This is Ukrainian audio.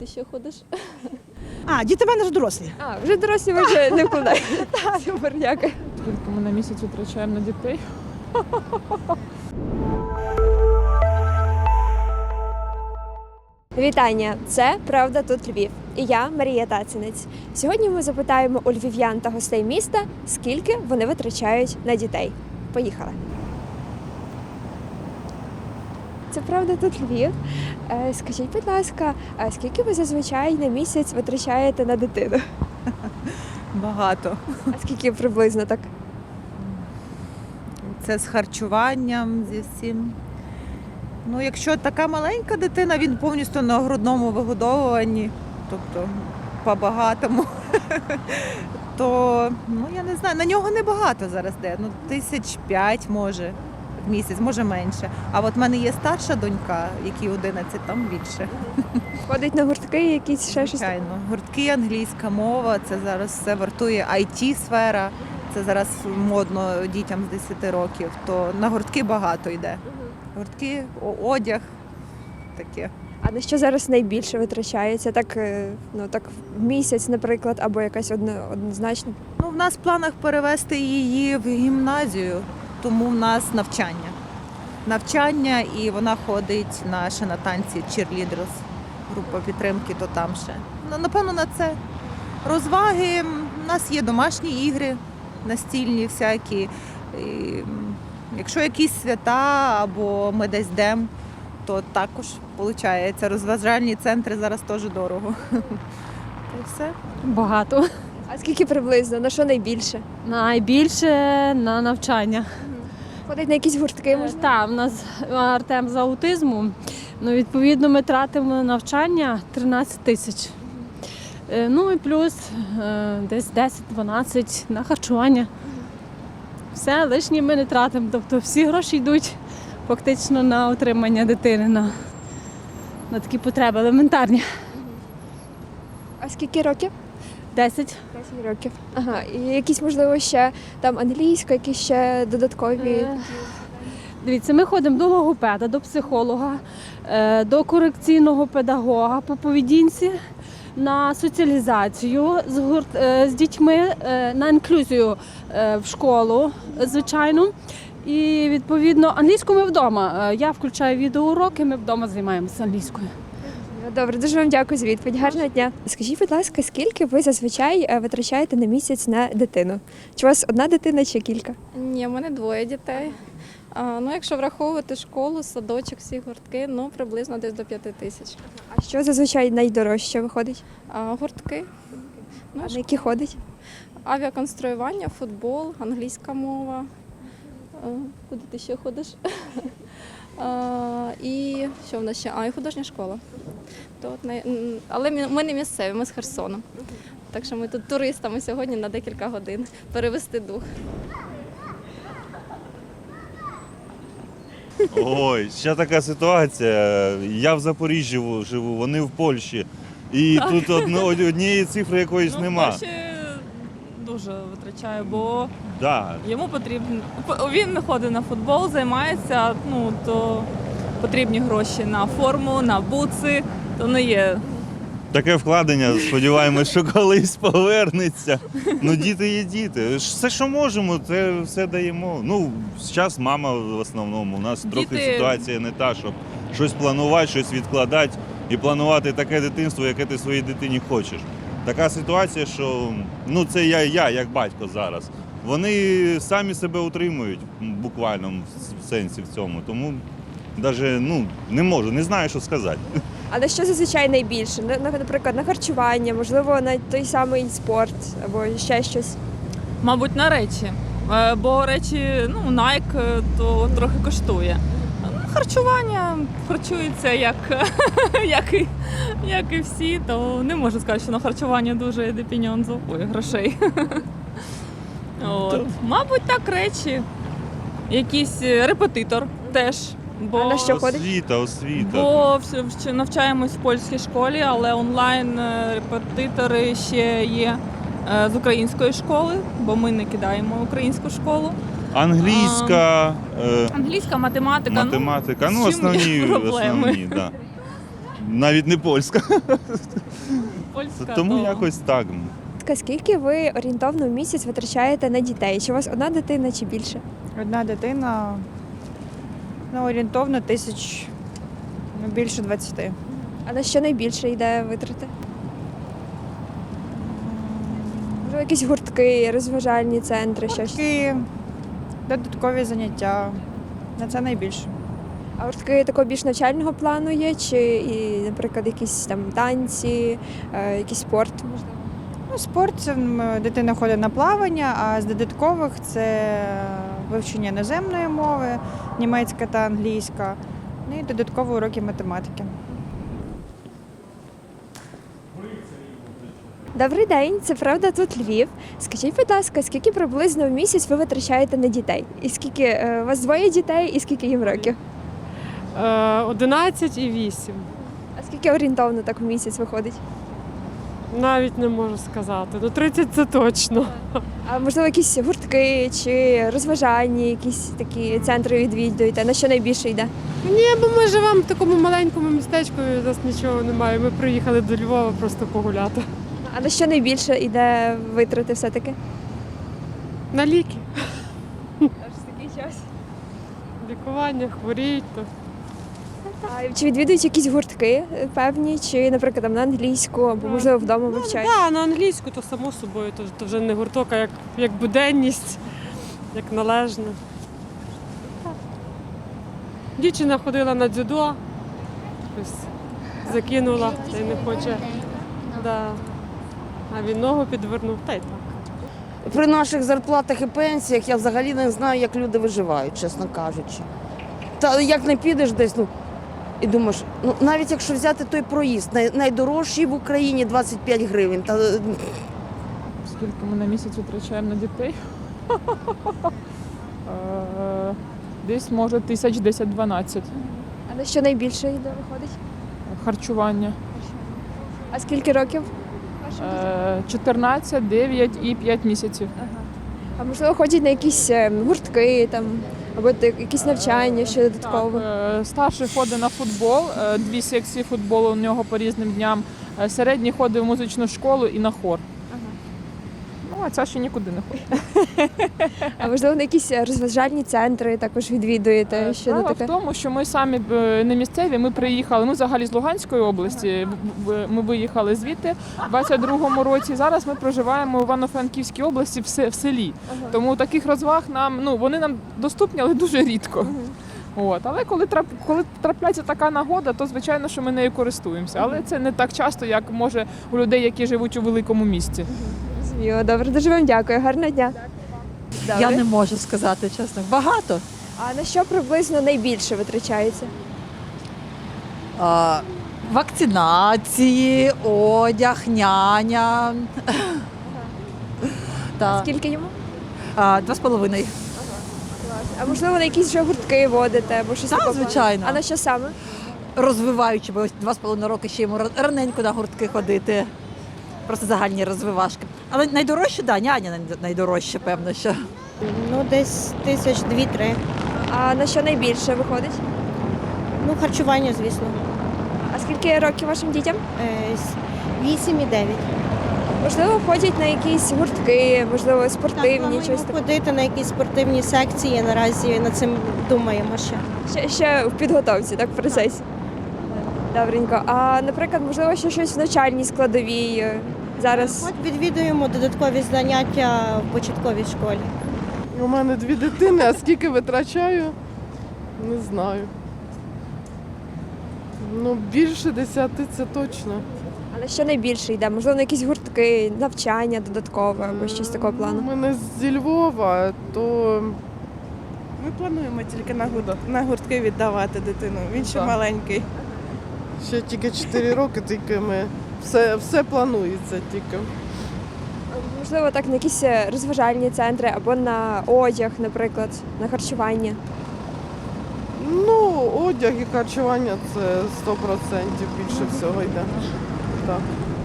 ти ще ходиш? Діти в мене вже дорослі. Вже дорослі ви вже не вкладаєте. Супер, дякую. Скільки ми на місяць витрачаємо на дітей? Вітання! Це «Правда тут Львів» і я, Марія Тацінець. Сьогодні ми запитаємо у львів'ян та гостей міста, скільки вони витрачають на дітей. Поїхали! Це «Правда тут Львів». Скажіть, будь ласка, скільки ви зазвичай на місяць витрачаєте на дитину? Багато. А скільки приблизно так? Це з харчуванням, зі всім. Ну, якщо така маленька дитина, він повністю на грудному вигодовуванні, тобто по-багатому, то, я не знаю, на нього небагато зараз де, 5,000 може в місяць, може менше. А от в мене є старша донька, якій 11, там більше. Ходить на гуртки якісь ще щось? Звичайно. Гуртки, англійська мова, це зараз все вартує, IT-сфера, це зараз модно дітям з 10 років, то на гуртки багато йде. Гуртки, одяг, таке. А на що зараз найбільше витрачається? Так, так в місяць, наприклад, або якась однозначно? В нас в планах перевести її в гімназію, тому в нас навчання. Навчання, і вона ходить ще на танці cheerleaders, група підтримки, то там ще. Напевно, на це. Розваги, у нас є домашні ігри, настільні всякі. І якщо якісь свята або ми десь йдемо, то також виходить. Розважальні центри зараз теж дорого. Та й все. Багато. А скільки приблизно? На що найбільше? Найбільше на навчання. Ходить на якісь гуртки, може? Так, в нас Артем з аутизму. Відповідно, ми тратимо на навчання 13 тисяч. І плюс десь 10-12 на харчування. Все, лишнє ми не тратимо. Тобто всі гроші йдуть фактично на утримання дитини, на такі потреби елементарні. А скільки років? 10. 10 років. Ага. І якісь, можливо, ще там англійська, якісь ще додаткові? Дивіться, ми ходимо до логопеда, до психолога, до педагога по поведінці, на соціалізацію з дітьми, на інклюзію в школу, звичайно. І, відповідно, англійську ми вдома. Я включаю відеоуроки, ми вдома займаємося англійською. Добре, дуже вам дякую за відповідь. Гарного дня. Скажіть, будь ласка, скільки ви зазвичай витрачаєте на місяць на дитину? Чи у вас одна дитина чи кілька? Ні, в мене 2 дітей. Якщо враховувати школу, садочок, всі гуртки, приблизно десь до 5 тисяч. А що зазвичай найдорожче виходить? Гуртки, А на які ходить? авіаконструювання, футбол, англійська мова. Куди ти ще ходиш? І що в нас ще? І художня школа. Але ми не місцеві, ми з Херсону. Так що ми тут туристами сьогодні на декілька годин перевести дух. Ой, ще така ситуація. Я в Запоріжжі живу, вони в Польщі. І тут однієї цифри якоїсь нема. Гроші дуже витрачаю, бо Да. йому потрібно. Він ходить на футбол, займається, то потрібні гроші на форму, на бутси, то не є. Таке вкладення, сподіваємось, що колись повернеться. Діти є діти. Все, що можемо, це все даємо. Зараз мама в основному. У нас трохи ситуація не та, щоб щось планувати, щось відкладати і планувати таке дитинство, яке ти своїй дитині хочеш. Така ситуація, що це я як батько зараз. Вони самі себе утримують буквально в сенсі в цьому. Тому навіть не можу, не знаю, що сказати. А на що зазвичай найбільше? Наприклад, на харчування, можливо, на той самий спорт або ще щось? Мабуть, на речі. Бо речі, Nike, то трохи коштує. Харчування харчується як і всі, то не можу сказати, що на харчування дуже йде грошей. Мабуть, так речі. Якийсь репетитор теж. А на що ходить? Освіта. Бо навчаємось в польській школі, але онлайн репетитори ще є з української школи, бо ми не кидаємо українську школу. Англійська, Англійська, математика. основні, проблеми. да. навіть не польська. Польська, Тому то- якось так. Скільки ви орієнтовно в місяць витрачаєте на дітей? Чи у вас одна дитина чи більше? Одна дитина, ну, орієнтовно тисяч, ну, більше 20. А на що найбільше йде витрати? Можливо, якісь гуртки, розважальні центри, щось. Такі додаткові заняття. На це найбільше. А гуртки такого більш навчального плану є, чи, і, наприклад, якісь там танці, якийсь спорт, можливо? Ну, спорт це дитина ходить на плавання, а з додаткових це вивчення іноземної мови, німецька та англійська, ну і додаткові уроки математики. Добрий день, це правда тут Львів. Скажіть, будь ласка, скільки приблизно в місяць ви витрачаєте на дітей? І скільки у вас двоє дітей, і скільки їм років? 11 і 8. А скільки орієнтовно так в місяць виходить? Навіть не можу сказати. Ну 30 це точно. А можливо, якісь гуртки чи розважальні, якісь такі центри відвідуєте? На що найбільше йде? Ні, бо ми живемо в такому маленькому містечку, і у нас нічого немає. Ми приїхали до Львова просто погуляти. А на що найбільше йде витрати все-таки? На ліки. Аж такий час. Лікування, хворіють. То. А чи відвідують якісь гуртки певні, чи, наприклад, там на англійську, або можливо вдома вивчають? Так, на англійську, то само собою, то вже не гурток, а як буденність, як належно. Так. Дівчина ходила на дзюдо, ось закинула, та й не хоче. Да. А він ногу підвернув, та й так. При наших зарплатах і пенсіях я взагалі не знаю, як люди виживають, чесно кажучи. Та як не підеш десь, ну і думаєш, ну навіть якщо взяти той проїзд, найдорожчий в Україні 25 гривень. Та Скільки ми на місяць витрачаємо на дітей? Десь може 1010-12. А на що найбільше йде виходить? Харчування. А скільки років? вашим дітям? 14, 9 і 5 місяців. А можливо, ходять на якісь гуртки там, або якісь навчання, що додатково? Так, старший ходить на футбол, 2 секції футболу у нього по різним дням. Середній ходить в музичну школу і на хор. Ну, а ця ще нікуди не ходить. А можливо, на якісь розважальні центри також відвідуєте? Що Справа таке? в тому, що ми самі не місцеві, ми приїхали, ми взагалі з Луганської області, ми виїхали звідти в 22-му році. Зараз ми проживаємо в Івано-Франківській області в селі. Тому таких розваг вони нам доступні, але дуже рідко. Але коли трапляється така нагода, то звичайно, що ми нею користуємося. Але це не так часто, як може у людей, які живуть у великому місті. Зрозуміло. Добре, дуже вам дякую. Гарного дня. Добре. Я не можу сказати чесно. Багато. А на що приблизно найбільше витрачається? Вакцинації, одяг, няня. Скільки йому? 2,5. А можливо, на якісь вже гуртки водите або щось Так, такого? звичайно. А на що саме? Розвиваючи, бо ось 2,5 роки ще йому раненько на гуртки ходити. Просто загальні розвивашки. Але найдорожче, так, няня найдорожче, певно, що. Ну, десь 2-3. А на що найбільше виходить? Ну, харчування, звісно. А скільки років вашим дітям? 8 і 9. Можливо, ходять на якісь гуртки, можливо, спортивні, Плануємо щось таке. ходити на якісь спортивні секції. Наразі над цим думаємо ще. Ще в підготовці, так, в процесі. Добренько. А, наприклад, можливо, ще щось в навчальній складовій зараз? От відвідуємо додаткові заняття в початковій школі. У мене 2 дитини, а скільки витрачаю, не знаю. Ну, більше 10 це точно. А на що найбільше йде? Можливо, на якісь гуртки, навчання додаткове або щось такого У плану? мене зі Львова, то Ми плануємо тільки на гуртки віддавати дитину. Він ще Так. маленький. ще тільки 4 роки, тільки ми все планується тільки. Можливо, так на якісь розважальні центри або на одяг, наприклад, на харчування. Ну, одяг і харчування це 100% більше всього йде. Так.